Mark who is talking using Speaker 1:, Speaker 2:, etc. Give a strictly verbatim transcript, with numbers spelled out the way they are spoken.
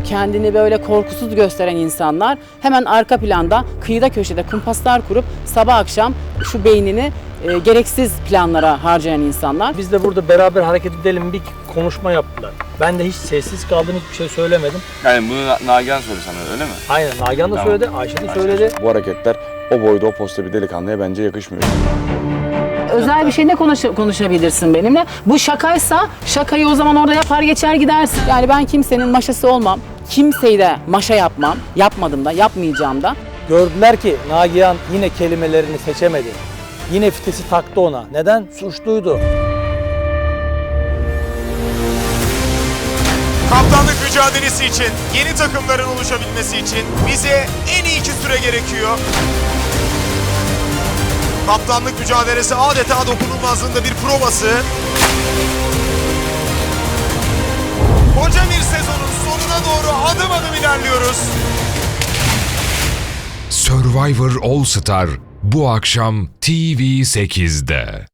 Speaker 1: kendini böyle korkusuz gösteren insanlar hemen arka planda kıyıda köşede kumpaslar kurup sabah akşam şu beynini e, gereksiz planlara harcayan insanlar.
Speaker 2: Biz de burada beraber hareket edelim bir konuşma yaptılar. Ben de hiç sessiz kaldım, hiçbir şey söylemedim.
Speaker 3: Yani bunu Na- Nagihan söyledi sana öyle mi?
Speaker 2: Aynen, Nagihan da
Speaker 3: Tamam.
Speaker 2: söyledi, Ayşe de söyledi.
Speaker 4: Bu hareketler o boyda o posta bir delikanlıya bence yakışmıyor.
Speaker 1: Özel bir şey ne konuş konuşabilirsin benimle? Bu şakaysa şakayı o zaman orada yapar geçer gidersin. Yani ben kimsenin maşası olmam. Kimseyi de maşa yapmam. Yapmadım da, yapmayacağım da.
Speaker 2: Gördüler ki Nagihan yine kelimelerini seçemedi. Yine fitesi taktı ona. Neden? Suçluydu.
Speaker 5: Kaptanlık mücadelesi için, yeni takımların oluşabilmesi için bize en iyi iki süre gerekiyor. Kaptanlık mücadelesi adeta dokunulmazlığında bir provası. Koca bir sezonun sonuna doğru adım adım ilerliyoruz.
Speaker 6: Survivor All Star bu akşam T V sekizde.